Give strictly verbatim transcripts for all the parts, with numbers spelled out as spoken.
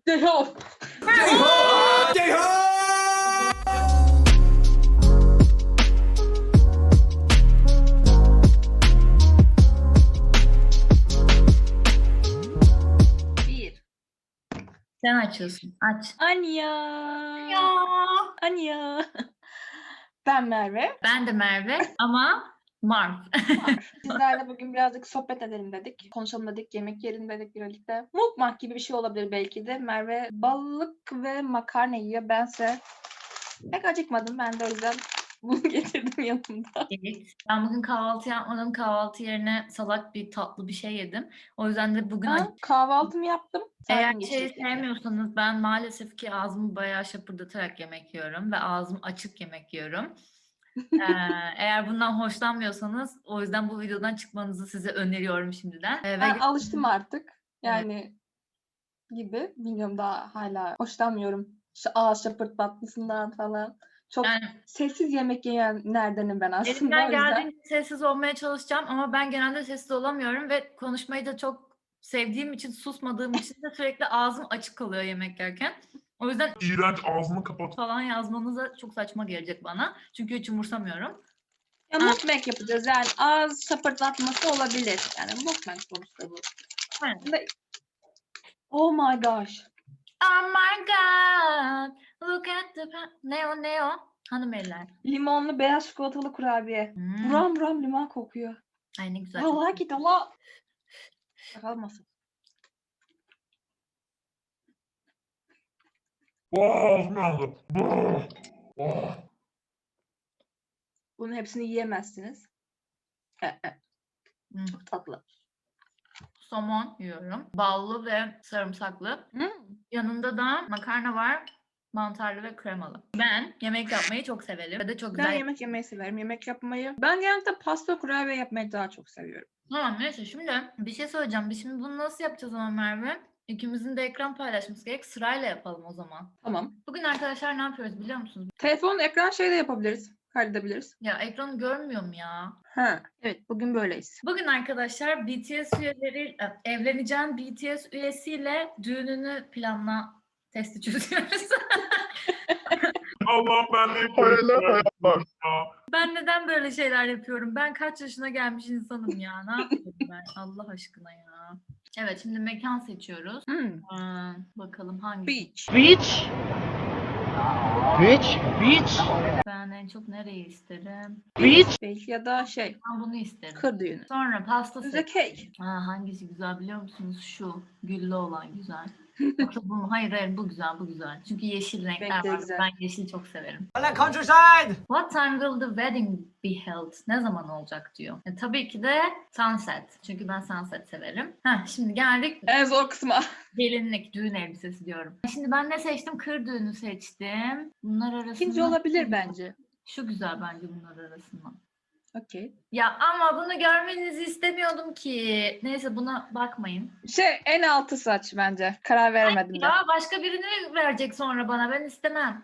Ceyhun. Ceyhun! Ceyhun! Bir. Sen açıyorsun. Aç. Anya. Ya. Anya. Ben Merve. Ben de Merve ama Marv. Var. Sizlerle bugün birazcık sohbet edelim dedik. Konuşalım dedik. Yemek yiyelim dedik birlikte. Mukbang gibi bir şey olabilir belki de. Merve balık ve makarna yiyor. Bense pek acıkmadım. Ben de o yüzden bunu getirdim yanımda. Evet. Ben bugün kahvaltı yapmadım. Kahvaltı yerine salak bir tatlı bir şey yedim. O yüzden de bugün Ben kahvaltımı yaptım. Eğer Sakin şey geçecek yani. sevmiyorsanız ben maalesef ki ağzımı bayağı şapırdatarak yemek yiyorum ve ağzım açık yemek yiyorum. ee, eğer bundan hoşlanmıyorsanız o yüzden bu videodan çıkmanızı size öneriyorum şimdiden. Ee, Ben ve alıştım artık. Yani gibi. Bilmiyorum, daha hala hoşlanmıyorum. Şu ağız şapırtlatmasından falan. Çok yani sessiz yemek yiyenlerdenim ben aslında. elimden O yüzden. geldiğince sessiz olmaya çalışacağım ama ben genelde sessiz olamıyorum ve konuşmayı da çok sevdiğim için, susmadığım için de sürekli ağzım açık kalıyor yemek yerken. O yüzden İğrenç, ağzını kapat. falan yazmanız da çok saçma gelecek bana. Çünkü hiç umursamıyorum. Ya mukbang yapacağız yani. Ağız şapırtlatması olabilir. Yani mukbang sonuçta bu. Evet. Ve- Oh my gosh. Oh my god, look at the... pa- Ne o ne o? Hanım eller. Limonlu beyaz çikolatalı kurabiye. Hmm. Buram buram limon kokuyor. Ay ne güzel. I çok- like it a lot. Kalmasın. Oh, ağzım yandı. Oh. Oh. Bunun hepsini yiyemezsiniz. E, e, Hmm. Çok tatlı. Somon yiyorum. Ballı ve sarımsaklı. Hmm. Yanında da makarna var. Mantarlı ve kremalı. Ben yemek yapmayı çok severim. Ve de çok güzel. Ben yemek yemeyi severim. Yemek yapmayı. Ben genelde pasta kurabiye yapmayı daha çok seviyorum. Tamam neyse şimdi bir şey söyleyeceğim. Biz şimdi bunu nasıl yapacağız ama Merve? İkimizin de ekran paylaşması gerek. Sırayla yapalım o zaman. Tamam. Bugün arkadaşlar ne yapıyoruz biliyor musunuz? Telefonun ekran şeyi de yapabiliriz. Kaydedebiliriz. Ya ekranı görmüyorum ya. Ha. Evet, bugün böyleyiz. Bugün arkadaşlar B T S üyeleri, e, evleneceğin B T S üyesiyle düğününü planla testi çözüyoruz. Allah'ım ben de hayaller hayaller. Ben neden böyle şeyler yapıyorum? Ben kaç yaşına gelmiş insanım ya. Ne yapıyorum ben? Allah aşkına ya. Evet şimdi mekan seçiyoruz. Hmm. Aa, bakalım hangisi? Beach. Beach. Beach. Beach. Ben en çok nereyi isterim? Beach. Belki ya da şey. Ben bunu isterim. Kır düğünü. Sonra pasta Bize seç. cake. Ha, hangisi güzel biliyor musunuz? Şu güllü olan güzel. Yoksa bu mu? Hayır hayır bu güzel bu güzel. Çünkü yeşil renkler Renkleri var. güzel. Ben yeşil çok severim. I like countryside. What time will the wedding be held? Ne zaman olacak diyor. E, tabii ki de sunset. Çünkü ben sunset severim. Heh, şimdi geldik En zor kısma. gelinlik, düğün elbisesi diyorum. Şimdi ben ne seçtim? Kır düğünü seçtim. Bunlar arasında... İkinci olabilir bence. Şu güzel bence bunlar arasından. Okey. Ya ama bunu görmenizi istemiyordum ki. Neyse buna bakmayın. Şey, en altı saç bence. Karar veremedim de. Ya başka birini verecek sonra bana. Ben istemem.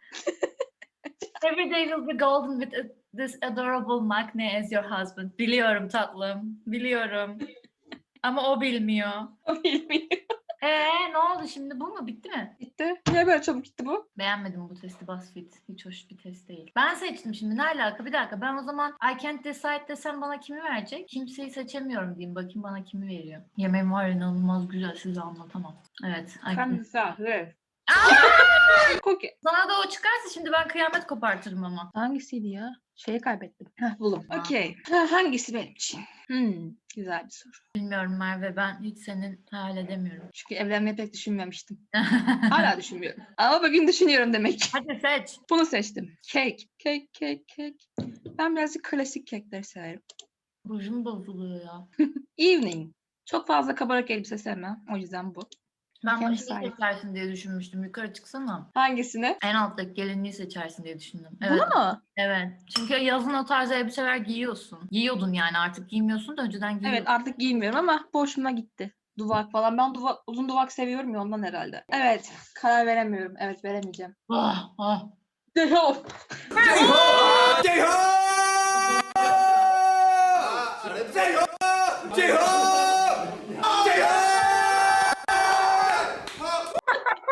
Every day will be golden with a- this adorable Magne as your husband. Biliyorum tatlım. Biliyorum. Ama o bilmiyor. O bilmiyor. Ee ne oldu şimdi? Bu mu? Bitti mi? Gitti. Niye böyle çabuk gitti bu? Beğenmedim bu testi BuzzFeed. Hiç hoş bir test değil. Ben seçtim şimdi. Ne alaka? Bir dakika. Ben o zaman I can't decide desem bana kimi verecek? Kimseyi seçemiyorum diyeyim. Bakayım bana kimi veriyor. Yemeğim var inanılmaz güzel. Size anlatamam. Evet. I Sen can't- misafir. Aa! Cookie. Sana da o çıkarsa şimdi ben kıyamet kopartırım ama. Hangisiydi ya? Şeyi kaybettim. Heh, buldum. Aa. Okey. Ha, hangisi benim için? Hmm, güzel bir soru. Bilmiyorum Merve ben hiç senin hayal edemiyorum. Çünkü evlenmeyi pek düşünmemiştim. Hala düşünmüyorum. Ama bugün düşünüyorum demek ki. Hadi seç. Bunu seçtim. Cake. Cake, cake, cake. Ben birazcık klasik kekleri severim. Rujum bozuluyor ya. Evening. Çok fazla kabarık elbise sevmem. O yüzden bu. Ben Kendi bu şeyi sahip. seçersin diye düşünmüştüm. Yukarı çıksana. Hangisini? En alttaki gelinliği seçersin diye düşündüm. Evet. Bunu mu? Evet. Çünkü yazın o tarz elbiseler giyiyorsun. Giyiyordun yani artık giymiyorsun da önceden giyiyordun. Evet, artık giymiyorum ama boşuma gitti. Duvak falan. Ben duvak, uzun duvak seviyorum ya, ondan herhalde. Evet. Karar veremiyorum. Evet, veremeyeceğim. Ah, ah. Ceyhun. Ceyhun! Ceyhun! Ceyhun! Ceyhun! Ceyhun!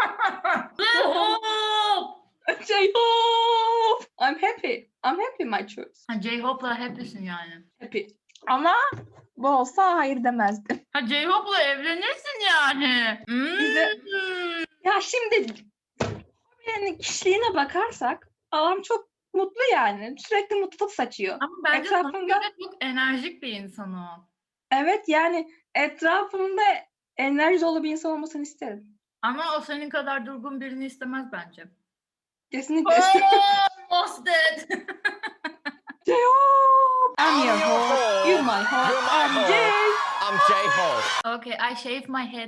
I'm happy. I'm happy my choice. Ha J-Hope'la happy'sin yani. Happy. Ama bu olsa hayır demezdim. Ha J-Hope'la evlenirsin yani. Bize- Hmm. Ya şimdi yani kişiliğine bakarsak adam çok mutlu yani. Sürekli mutluluk saçıyor. Ama bence sana Etrafında- göre çok enerjik bir insan o. Evet yani etrafımda enerji dolu bir insan olmasını isterim. Ama o senin kadar durgun birini istemez bence. Kesinlikle. Oh, lost it. I'm your host. You're my host. I'm Jay. I'm J-Hope. Okay, I shaved my head.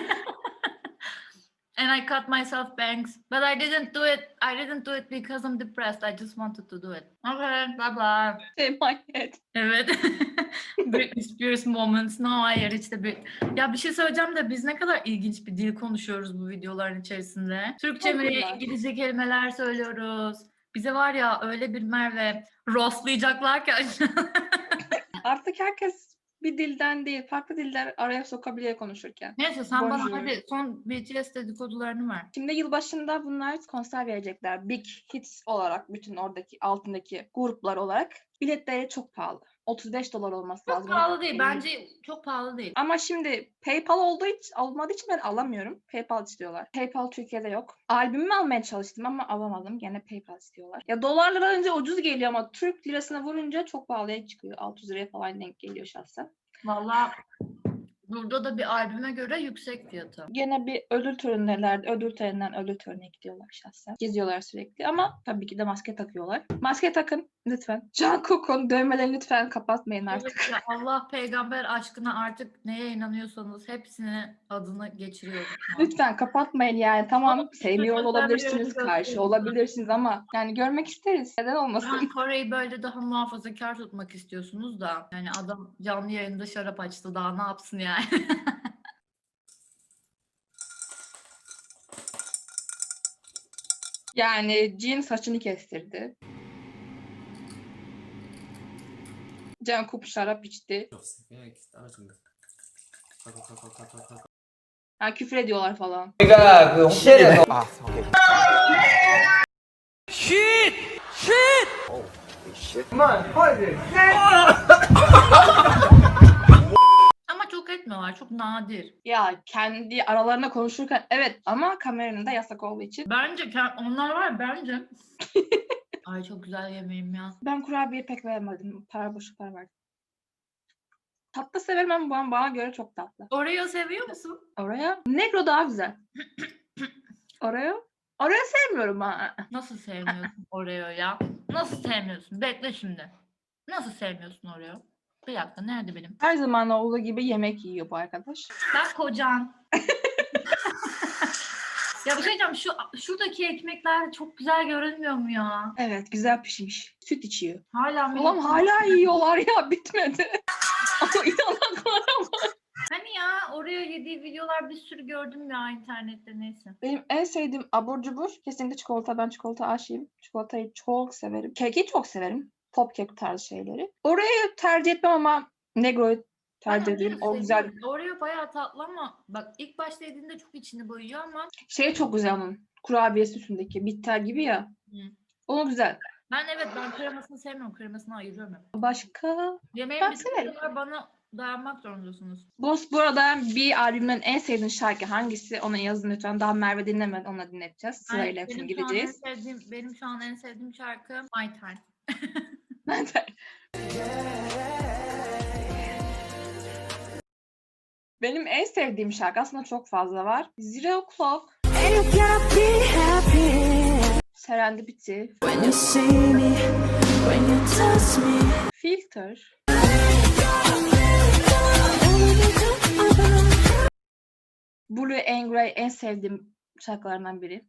And I cut myself bangs. But I didn't do it. I didn't do it because I'm depressed. I just wanted to do it. Okay, bye bye. Say my head. Evet. Britney Spears moments. No, hayır işte bir... Ya bir şey söyleyeceğim de biz ne kadar ilginç bir dil konuşuyoruz bu videoların içerisinde. Türkçe Çok mi, güzel. İngilizce kelimeler söylüyoruz. Bize var ya öyle bir Merve rostlayacaklar ki. Artık herkes bir dilden değil, farklı diller araya sokabiliyor konuşurken. Neyse sen Bonjour. bana hadi son B T S dedikodularını ver. Şimdi yılbaşında bunlar konser verecekler. Big Hits olarak, bütün oradaki altındaki gruplar olarak. Biletleri çok pahalı. otuz beş dolar olması Çok lazım. pahalı değil. Bence çok pahalı değil. Ama şimdi PayPal olduğu için, olmadığı için ben alamıyorum. PayPal istiyorlar. PayPal Türkiye'de yok. Albümümü almaya çalıştım ama alamadım. Gene PayPal istiyorlar. Ya dolarlara önce ucuz geliyor ama Türk lirasına vurunca çok pahalıya çıkıyor. altı yüz liraya falan denk geliyor şahsen. Vallahi burada da bir albüme göre yüksek fiyatı. Gene bir ödül törenlerinde, ödül töreninden ödül törenine gidiyorlar şahsen. Geziyorlar sürekli ama tabii ki de maske takıyorlar. Maske takın lütfen. Jungkook'un dövmelerini lütfen kapatmayın artık. Evet ya, Allah peygamber aşkına artık neye inanıyorsanız hepsini adını geçiriyorum. şu an. Lütfen kapatmayın yani. Tamam Ama sevmiyor lütfen olabilirsiniz, göstermeyin. karşı olabilirsiniz ama yani görmek isteriz. Neden olmasın? Yani Kore'yi böyle daha muhafazakar tutmak istiyorsunuz da yani adam canlı yayında şarap açtı daha ne yapsın yani. Yani Jin saçını kestirdi. Jungkook şarap içti. Ha, küfür ediyorlar falan. 우리가 그 홍대에서 아, 오케이. 쉿! 쉿! 오, 쉿. 그만, 화이팅! Ama çok etmiyorlar çok nadir. Ya kendi aralarında konuşurken evet ama kameranın da yasak olduğu için. Bence ke- onlar var ya, bence. Ay çok güzel yemeğim ya. Ben kurabiye pek vermedim. Para boşu para verdim. Tatlı severim ama bana, bana göre çok tatlı. Oreo seviyor musun? Oraya Negro daha güzel. Oraya Oraya sevmiyorum ha. Nasıl sevmiyorsun Oreo ya? Nasıl sevmiyorsun? Bekle şimdi. Nasıl sevmiyorsun Oreo? Bir dakika nerede benim? Her zaman olduğu gibi yemek yiyor bu arkadaş. Bak kocan. Ya bir şey diyeceğim şu şuradaki ekmekler çok güzel görünmüyor mu ya? Evet güzel pişmiş. Süt içiyor. Hala mı? Oğlum hala yiyorlar ya bitmedi. Ama inanaklar ama. Hani ya Oreo yediği videolar bir sürü gördüm ya internette neyse. Benim en sevdiğim abur cubur kesinlikle çikolata. Ben çikolata aşığım. Çikolatayı çok severim. Keki çok severim. Pop kek tarzı şeyleri. Oraya tercih etmem ama Negro'yu tercih Ben ederim. Oreo O güzel. seviyorum. Oreo bayağı tatlı ama bak ilk başta yediğinde çok içini boyuyor ama Şey çok güzel onun. Kurabiyesi üstündeki bitter gibi ya. Hı. O güzel. ben evet ben kremasını sevmiyorum. Kremasını ayırıyorum hep. Başka? Yemeğin Ben bir severim. var bana dayanmak zorundasınız. Boss bu arada bir albümün en sevdiğin şarkı hangisi? Onu yazın lütfen. Daha Merve dinlemedi. Onu dinleteceğiz. Sırayla Ay, hepsini benim şu an en gideceğiz. sevdiğim, benim şu an en sevdiğim şarkı My Time. Ben de. Benim en sevdiğim şarkı aslında çok fazla var. Zero Clock, Serendipity, When you see me, when you touch me, Filter, Blue and Grey en sevdiğim şarkılarından biri.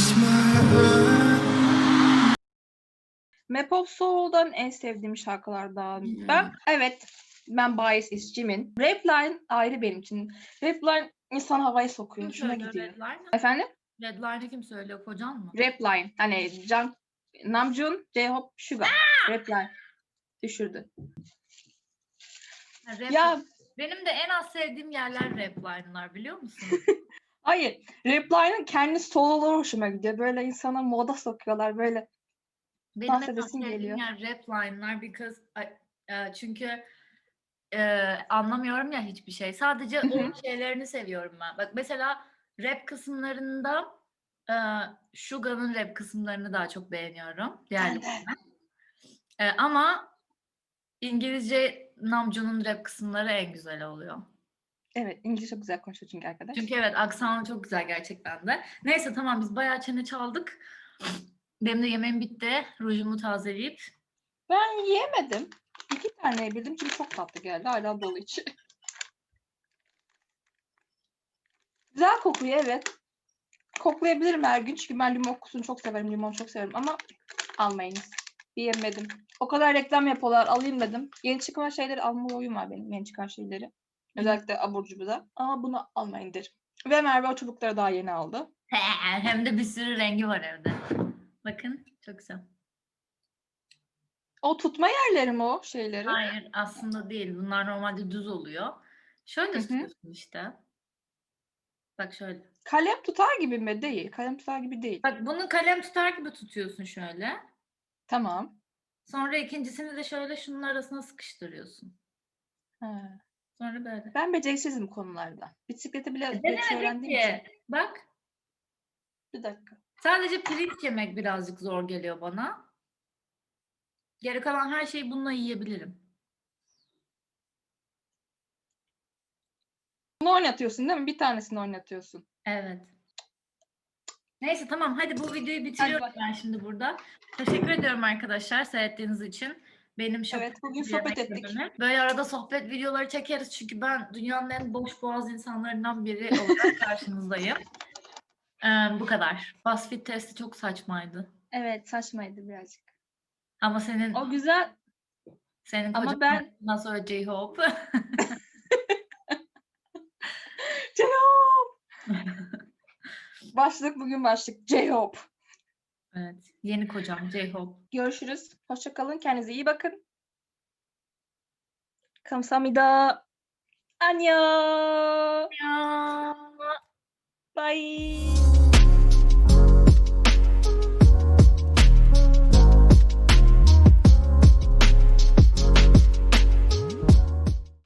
Map of Soul'dan en sevdiğim şarkılardan. Hmm. Ben evet ben Bias is Jimin. Rapline ayrı benim için. Rapline insan havaya sokuyor. Kim Hoşuma söylüyor gidiyor. Redline? Efendim? Redline'ı kim söylüyor? Kocan mı? Rapline. Hani Jung, Namjoon, J-Hope, Suga. Rapline. Düşürdü. Ha, rap- Ya Benim de en az sevdiğim yerler Repline'lar biliyor musun? hayır. Rapline'ın kendi soloları hoşuma gidiyor. Böyle insana moda sokuyorlar. Böyle Benim en Bahsedesim sevdiğim geliyor. yer rap line'lar because I- e, çünkü e, anlamıyorum ya hiçbir şey. Sadece Hı o hı. şeylerini seviyorum ben. Bak mesela rap kısımlarında e, Suga'nın rap kısımlarını daha çok beğeniyorum. Ben Diğerleri. de. E, ama İngilizce Namjoon'un rap kısımları en güzel oluyor. Evet, İngilizce çok güzel konuşuyor çünkü arkadaş. Çünkü evet aksanı çok güzel gerçekten de. Neyse tamam biz bayağı çene çaldık. Benim de yemeğim bitti. Rujumu tazeleyip. Ben yiyemedim. İki tane yedim çünkü çok tatlı geldi. Hala dolu içi. Güzel kokuyor evet. Koklayabilirim her gün çünkü ben limon kokusunu çok severim. Limon çok severim ama almayınız. Yiyemedim. O kadar reklam yapıyorlar. Alayım dedim. Yeni çıkan şeyleri alma oyun var benim. Yeni çıkan şeyleri. Özellikle abur cuburda. Ama bunu almayın derim. Ve Merve o çubukları daha yeni aldı. Hem de bir sürü rengi var evde. Bakın çok güzel. O tutma yerleri mi o şeyleri? Hayır aslında değil. Bunlar normalde düz oluyor. Şöyle Hı hı. tutuyorsun işte. Bak şöyle. Kalem tutar gibi mi? Değil. Kalem tutar gibi değil. Bak bunu kalem tutar gibi tutuyorsun şöyle. Tamam. Sonra ikincisini de şöyle şunun arasına sıkıştırıyorsun. Ha. Sonra böyle. Ben beceriksizim konularda. Bisikleti bile geç Denemedik öğrendiğim için. ki. Bak Bir dakika. sadece pirinç yemek birazcık zor geliyor bana. Geri kalan her şeyi bununla yiyebilirim. Bunu oynatıyorsun değil mi? Bir tanesini oynatıyorsun. Evet. Neyse tamam hadi bu videoyu Hadi bitiriyorum bak. ben şimdi burada. Teşekkür ediyorum arkadaşlar seyrettiğiniz için. Benim şok Evet, bugün edici sohbet yemeklerimi. ettik. Böyle arada sohbet videoları çekeriz çünkü ben dünyanın en boş boğaz insanlarından biri olarak karşınızdayım. Ee, bu kadar. BuzzFeed testi çok saçmaydı. Evet, saçmaydı birazcık. Ama senin O güzel senin ama kocan ben nasıl öyle J-Hope? J-Hope! Başlık bugün başlık. J-Hope. Evet. Yeni kocam J-Hope. Görüşürüz. Hoşça kalın. Kendinize iyi bakın. Kamsahamnida. Annyeong. Ya. Bye.